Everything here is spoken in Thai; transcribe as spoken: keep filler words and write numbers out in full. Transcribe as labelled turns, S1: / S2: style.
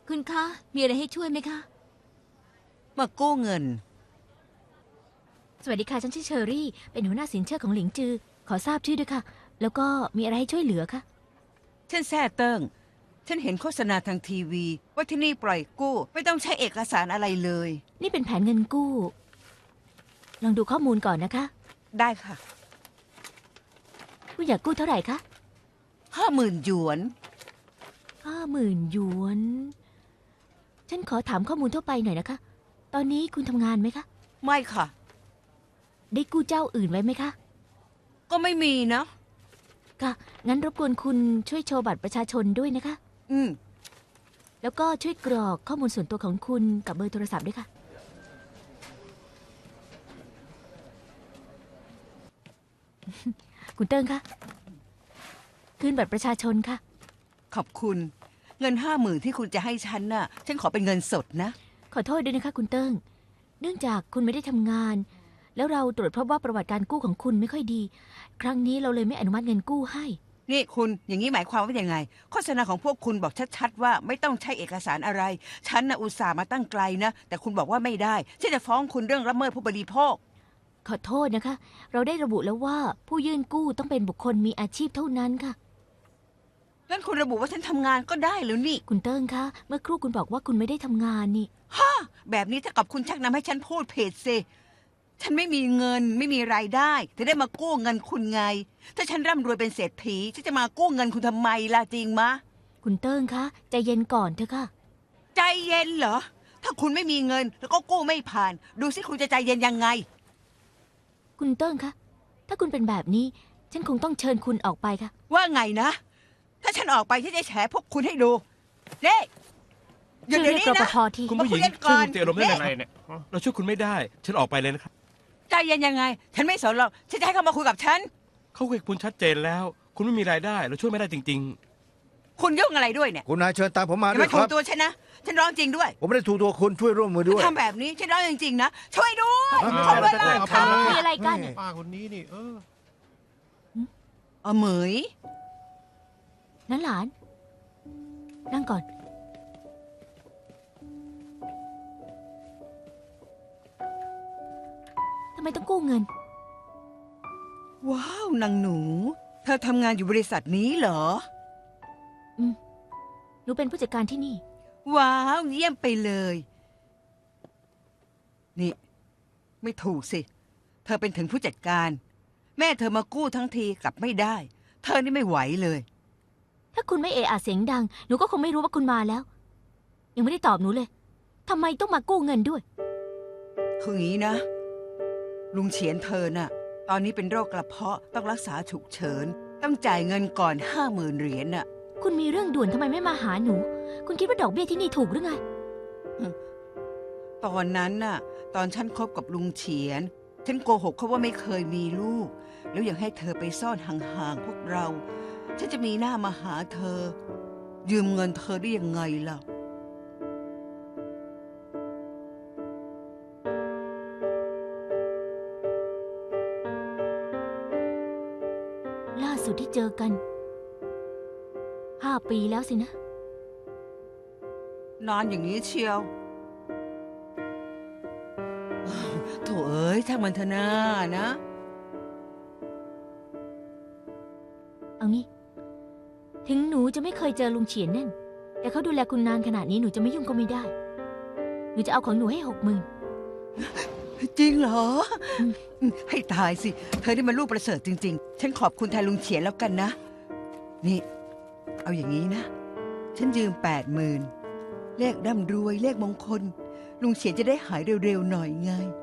S1: คุณคะมีอะไรให้ช่วยไหมคะ
S2: มากู้เงิน
S3: สวัสดีค่ะฉันชื่อเชอรี่เป็นหัวหน้าสินเชื่อของหลิงจือขอทราบชื่อด้วยค่ะแล้วก็มีอะไรให้ช่วยเหลือคะ
S2: ฉันแซ่เติ้งฉันเห็นโฆษณาทางทีวีว่าที่นี่ปล่อยกู้ไม่ต้องใช้เอกสารอะไรเลย
S3: นี่เป็นแผนเงินกู้ลองดูข้อมูลก่อนนะคะ
S2: ได้ค่ะ
S3: คุณอยากกู้เท่าไหร่คะ
S2: ห้าหมื่นหยวน
S3: ห้าหมื่นหยวนฉันขอถามข้อมูลทั่วไปหน่อยนะคะตอนนี้คุณทำงานไหมคะ
S2: ไม่ค่ะ
S3: ได้กู้เจ้าอื่นไว้ไหมคะ
S2: ก็ไม่มีนะ
S3: ค่ะงั้นรบกวนคุณช่วยโชว์บัตรประชาชนด้วยนะคะ
S2: อืม
S3: แล้วก็ช่วยกรอกข้อมูลส่วนตัวของคุณกับเบอร์โทรศัพท์ด้วยค่ะคุณเติ้งคะคืนบัตรประชาชนค่ะ
S2: ขอบคุณเงินห้าหมื่นที่คุณจะให้ฉันน่ะฉันขอเป็นเงินสดนะ
S3: ขอโทษด้วยนะคะคุณเติ้งเนื่องจากคุณไม่ได้ทำงานแล้วเราตรวจพบว่าประวัติการกู้ของคุณไม่ค่อยดีครั้งนี้เราเลยไม่อนุมัติเงินกู้ให้
S2: นี่คุณอย่างนี้หมายความว่ายังไงโฆษณาของพวกคุณบอกชัดๆว่าไม่ต้องใช้เอกสารอะไรฉันน่ะอุตส่าห์มาตั้งไกลนะแต่คุณบอกว่าไม่ได้ฉันจะฟ้องคุณเรื่องละเมิดผู้บริโภค
S3: ขอโทษนะคะเราได้ระบุแล้วว่าผู้ยื่นกู้ต้องเป็นบุคคลมีอาชีพเท่านั้นค่ะ
S2: งั้นคุณระบุว่าฉันทำงานก็ได้แล้วนี่
S3: คุณเติ้งคะเมื่อครู่คุณบอกว่าคุณไม่ได้ทำงานนี่
S2: ฮะแบบนี้ถ้ากับคุณชักนำให้ฉันพูดเพจสิฉันไม่มีเงินไม่มีรายได้แต่ได้มากู้เงินคุณไงถ้าฉันร่ำรวยเป็นเศรษฐีฉันจะมากู้เงินคุณทำไมล่ะจริงมะ
S3: คุณเติ้งคะใจเย็นก่อนเถอะค่ะ
S2: ใจเย็นเหรอถ้าคุณไม่มีเงินแล้วก็กู้ไม่ผ่านดูสิคุณจะใจเย็นยังไง
S3: คุณเติ้งคะถ้าคุณเป็นแบบนี้ฉันคงต้องเชิญคุณออกไปค่ะ
S2: ว่าไงนะถ้าฉันออกไปฉันจะแฉพวกคุณให้ดูเด้หยุดเดี๋ยวนี้นะ
S4: คุณผู้หญิงช่วยคุณเตียรมได้ยังไงเนี่ยเราช่วยคุณไม่ได้ฉันออกไปเลยนะครับ
S2: ใจเย็นยังไงฉันไม่สนหรอกฉันจะให้เขามาคุยกับฉัน
S4: เขาคุยกับคุณชัดเจนแล้วคุณไม่มีรายได้เราช่วยไม่ได้จริง
S2: ๆคุณยุ่งอะไรด้วยเนี่ย
S5: คุณนายเชิญตามผมมาด้วย
S2: ครับอย่ามาถูกตัวฉันนะฉันร้องจริงด้วย
S5: ผมไม่ได้ถูกตัวคุณช่วยร่วมมือด้วย
S2: ทำแบบนี้ฉันร้องจริงๆนะช่วยด้วย
S4: ขอด้วยเลย
S3: ค่ะมีอะไรกัน
S4: ป้าคนนี้นี่เออ
S2: เออเหมย
S3: นั้นหลานนั่งก่อนทำไมต้องกู้เงิน
S2: ว้าวนางหนูเธอทำงานอยู่บริษัทนี้เหรอ
S3: อืมหนูเป็นผู้จัดการที่นี่
S2: ว้าวเยี่ยมไปเลยนี่ไม่ถูกสิเธอเป็นถึงผู้จัดการแม่เธอมากู้ทั้งทีกลับไม่ได้เธอนี่ไม่ไหวเลย
S3: ถ้าคุณไม่เอะอะเสียงดังหนูก็คงไม่รู้ว่าคุณมาแล้วยังไม่ได้ตอบหนูเลยทำไมต้องมากู้เงินด้วย
S2: คืออย่างนี้นะลุงเฉียนเธอน่ะตอนนี้เป็นโรคกระเพาะต้องรักษาฉุกเฉินต้องจ่ายเงินก่อนห้าหมื่นเหรียญน่ะ
S3: คุณมีเรื่องด่วนทำไมไม่มาหาหนูคุณคิดว่าดอกเบี้ยที่นี่ถูกหรือไง
S2: ตอนนั้นน่ะตอนฉันคบกับลุงเฉียนฉันโกหกเขาว่าไม่เคยมีลูกแล้วยังให้เธอไปซ่อนห่างๆพวกเราฉันจะมีหน้ามาหาเธอยืมเงินเธอได้ยังไงล่ะ
S3: ล่าสุดที่เจอกันห้าปีแล้วสินะ
S2: นานอย่างนี้เชียวโถเอ้ยช่างมันเถอะนานะ
S3: เอางี้ถึงหนูจะไม่เคยเจอลุงเฉียนนั่นแต่เขาดูแลคุณนานขนาดนี้หนูจะไม่ยุ่งก็ไม่ได้หนูจะเอาของหนูให้หกหมื่น
S2: จริงเหรอให้ตายสิเธอนี่มันลูกประเสริฐจริงๆฉันขอบคุณแทนลุงเฉียนแล้วกันนะนี่เอาอย่างนี้นะฉันยืมแปดหมื่นเลขร่ำรวยเลขมงคลลุงเฉียนจะได้หายเร็วๆหน่อยไง